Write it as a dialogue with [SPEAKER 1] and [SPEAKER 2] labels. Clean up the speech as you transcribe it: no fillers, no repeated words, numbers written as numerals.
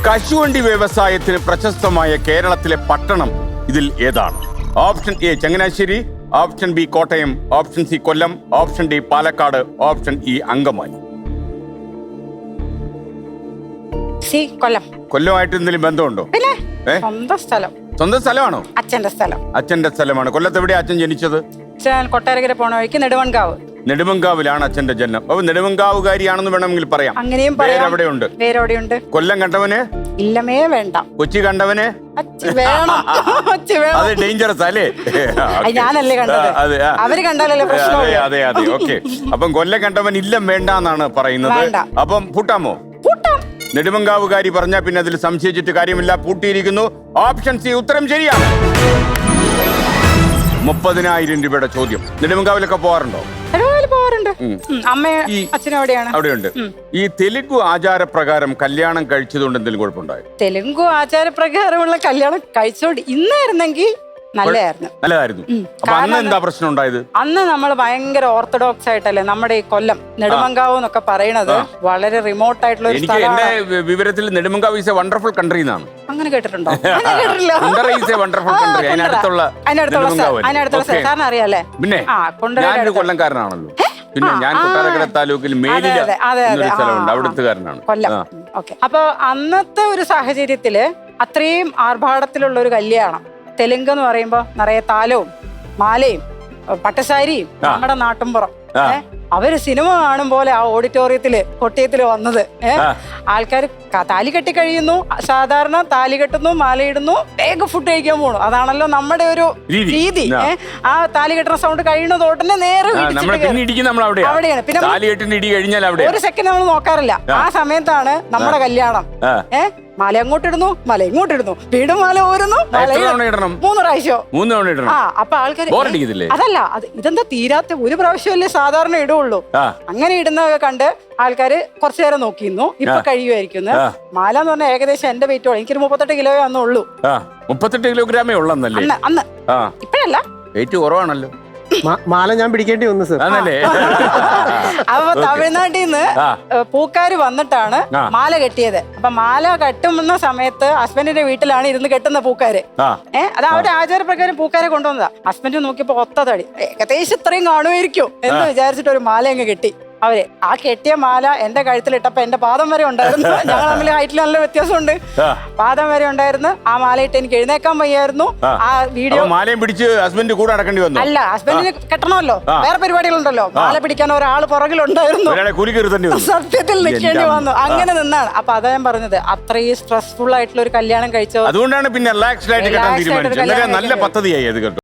[SPEAKER 1] കശുവണ്ടി വ്യവസായത്തിന് പ്രശസ്തമായ കേരളത്തിലെ പട്ടണം ഇതിൽ ഏതാണ്? Option A Changanassery, option B Kottayam, option C Kollam, option D Palakkad, option E Angamaly.
[SPEAKER 2] C Kollam.
[SPEAKER 1] കൊല്ലമായിട്ട് എന്തെങ്കിലും ബന്ധമുണ്ടോ?
[SPEAKER 2] പിന്നെ സ്വന്തം സ്ഥലം.
[SPEAKER 1] സ്വന്തം സ്ഥലമാണോ?
[SPEAKER 2] അച്ഛന്റെ സ്ഥലം.
[SPEAKER 1] അച്ഛന്റെ സ്ഥലമാണ്. കൊല്ലത്ത് എവിടെയാ അച്ഛൻ ജനിച്ചത്?
[SPEAKER 2] അച്ഛൻ കൊട്ടാരക്കര പോണ വഴിക്ക് നെടുവൺകാവ്.
[SPEAKER 1] നെടുമങ്കാവിലാണ് അച്ഛന്റെ ജന്മം. അപ്പൊ നെടുമങ്കാവുകാരിയാണെന്ന് വേണമെങ്കിൽ പറയാം.
[SPEAKER 2] അങ്ങനെയും പറയാം.
[SPEAKER 1] അവിടെയുണ്ട്.
[SPEAKER 2] വേറെവിടെയുണ്ട്?
[SPEAKER 1] കൊല്ലം കണ്ടവന്
[SPEAKER 2] ഇല്ലമേ വേണ്ട.
[SPEAKER 1] കൊച്ചി കണ്ടവന്
[SPEAKER 2] അച്ഛൻ വേണം. അച്ഛൻ വേണം.
[SPEAKER 1] അത് ഡേഞ്ചറസ് അല്ലേ?
[SPEAKER 2] ഞാനല്ലേ കണ്ടത്. അവര് കണ്ടാലല്ലേ പ്രശ്നം.
[SPEAKER 1] അതെ അതെ ഓക്കെ. അപ്പം കൊല്ലം കണ്ടവൻ ഇല്ലം വേണ്ടെന്നാണ് പറയുന്നത്. അപ്പം പൂട്ടാമോ? നെടുമങ്കാവുകാരി പറഞ്ഞാൽ പിന്നെ അതിൽ സംശയിച്ചിട്ട് കാര്യമില്ല. പൂട്ടിയിരിക്കുന്നു. ഓപ്ഷൻ സി ഉത്തരം ശരിയാണ്. 30,000 രൂപയുടെ ചോദ്യം. നെടുമങ്കാവിലൊക്കെ പോകാറുണ്ടോ?
[SPEAKER 2] പോവാറുണ്ട്. അച്ഛനും
[SPEAKER 1] അവിടെയുണ്ട്. ഈ തെലുഗു ആചാരപ്രകാരം കല്യാണം കഴിച്ചതുകൊണ്ട് എന്തെങ്കിലും കുഴപ്പമുണ്ടായോ?
[SPEAKER 2] തെലുഗു ആചാരപ്രകാരമുള്ള കല്യാണം കഴിച്ചോണ്ട് ഇന്നായിരുന്നെങ്കിൽ
[SPEAKER 1] നല്ലതായിരുന്നു. അപ്പൊ അന്ന് എന്താ പ്രശ്നം ഉണ്ടായത്?
[SPEAKER 2] അന്ന് നമ്മൾ ഭയങ്കര ഓർത്തഡോക്സ് ആയിട്ടല്ലേ നമ്മുടെ ഈ കൊല്ലം നെടുമങ്കാവ് എന്നൊക്കെ പറയണത് വളരെ റിമോട്ട് ആയിട്ടുള്ള ഒരു
[SPEAKER 1] എനിക്ക് എന്റെ വിവരത്തിൽ Nedumankavu is a wonderful country എന്നാണ്.
[SPEAKER 2] അങ്ങനെ കേട്ടിട്ടുണ്ടോ? സാറിന് അറിയാലേ?
[SPEAKER 1] പിന്നെ ഞാനൊരു കൊല്ലംകാരനാണല്ലോ. പിന്നെ ഞാൻ കൊട്ടാരക്കര താലൂക്കിൽ മേലില എന്നൊരു സ്ഥലമുണ്ട്, അവിടുത്തുകാരനാണ്.
[SPEAKER 2] കൊല്ലം. ഓക്കെ. അപ്പൊ അന്നത്തെ ഒരു സാഹചര്യത്തില് അത്രയും ആർഭാടത്തിലുള്ള ഒരു കല്യാണം. തെലുങ്ക് എന്ന് പറയുമ്പോ നിറയെ താലവും മാലയും പട്ടസാരിയും നമ്മുടെ നാട്ടുംപുറം. അവര് സിനിമ കാണും പോലെ ആ ഓഡിറ്റോറിയത്തില് കൊട്ടിയത്തില് വന്നത്. ആൾക്കാർ താലി കെട്ടി കഴിയുന്നു, സാധാരണ താലി കെട്ടുന്നു, മാലയിടുന്നു, വേഗം ഫുഡ് കഴിക്കാൻ പോണു. അതാണല്ലോ നമ്മുടെ ഒരു രീതി. ആ താലി കെട്ടുന്ന സൗണ്ട് കഴിയുന്നത് ഉടനെ നേരെ അവിടെയാണ്. പിന്നെ ഒരു സെക്കൻഡ് നമ്മൾ നോക്കാറില്ല. ആ സമയത്താണ് നമ്മുടെ കല്യാണം. മാല അങ്ങോട്ടിടുന്നു, മല ഇങ്ങോട്ടിടുന്നു, വീണ്ടും മാല ഓരുന്നു, 3 പ്രാവശ്യം. അപ്പൊ ആൾക്കാർ അതല്ല, ഇതെന്താ തീരാത്ത ഒരു പ്രാവശ്യമല്ലേ സാധാരണ ഇടുള്ളൂ. അങ്ങനെ ഇടുന്നതൊക്കെ കണ്ട് ആൾക്കാര് കുറച്ചു നേരം നോക്കിയിരുന്നു. ഇപ്പൊ കഴിയുമായിരിക്കും. മാല എന്ന് പറഞ്ഞാൽ ഏകദേശം എന്റെ വെയിറ്റോളം എനിക്കൊരു 38 കിലോയേ അന്നുള്ളൂ.
[SPEAKER 1] 38 കിലോഗ്രാമേ ഉള്ളന്നല്ലേ
[SPEAKER 2] അന്ന്? ഇപ്പഴല്ല,
[SPEAKER 1] വെയിറ്റ് കുറവാണല്ലോ.
[SPEAKER 3] മാല ഞാൻ പിടിക്കേണ്ടി വന്നു സർ.
[SPEAKER 2] അപ്പൊ തമിഴ്നാട്ടിൽ നിന്ന് പൂക്കാര് വന്നിട്ടാണ് മാല കെട്ടിയത്. അപ്പൊ മാല കെട്ടുന്ന സമയത്ത് ഹസ്ബൻഡിന്റെ വീട്ടിലാണ് ഇരുന്ന് കെട്ടുന്ന പൂക്കാര്. അത് അവരുടെ ആചാരപ്രകാരം പൂക്കാരെ കൊണ്ടുവന്നതാ. ഹസ്ബൻഡ് നോക്കിയപ്പോ ഒത്ത തടി, ഏകദേശം ഇത്രയും കാണുമായിരിക്കും എന്ന് വിചാരിച്ചിട്ട് ഒരു മാല അങ്ങ് കെട്ടി. അവര് ആ കെട്ടിയ മാല എന്റെ കഴുത്തിലിട്ടപ്പോ എന്റെ പാദം വരെ ഉണ്ടായിരുന്നു. ഞങ്ങൾ തമ്മിൽ ഹൈറ്റിൽ നല്ല വ്യത്യാസമുണ്ട്. പാദം വരെ ഉണ്ടായിരുന്നു. ആ മാല ഇട്ട് എനിക്ക് എഴുന്നേക്കാൻ വയ്യായിരുന്നു. ആ വീഡിയോ
[SPEAKER 1] മാലയും പിടിച്ച് ഹസ്ബൻഡ് കൂടെ അടക്കേണ്ടി വന്നു.
[SPEAKER 2] അല്ല, ഹസ്ബൻഡിന് കെട്ടണമല്ലോ, വേറെ പരിപാടികളുണ്ടല്ലോ. മാല പിടിക്കാൻ ഒരാൾ പുറകിലുണ്ടായിരുന്നു. സത്യത്തിൽ നിൽക്കേണ്ടി വന്നു. അങ്ങനെ നിന്നാണ്. അപ്പൊ അതാ ഞാൻ പറഞ്ഞത്, അത്രയും സ്ട്രെസ്ഫുൾ ആയിട്ടുള്ള ഒരു കല്യാണം കഴിച്ചത്.
[SPEAKER 1] അതുകൊണ്ടാണ് പിന്നെ നല്ല പദ്ധതിയായി അത് കേട്ടോ.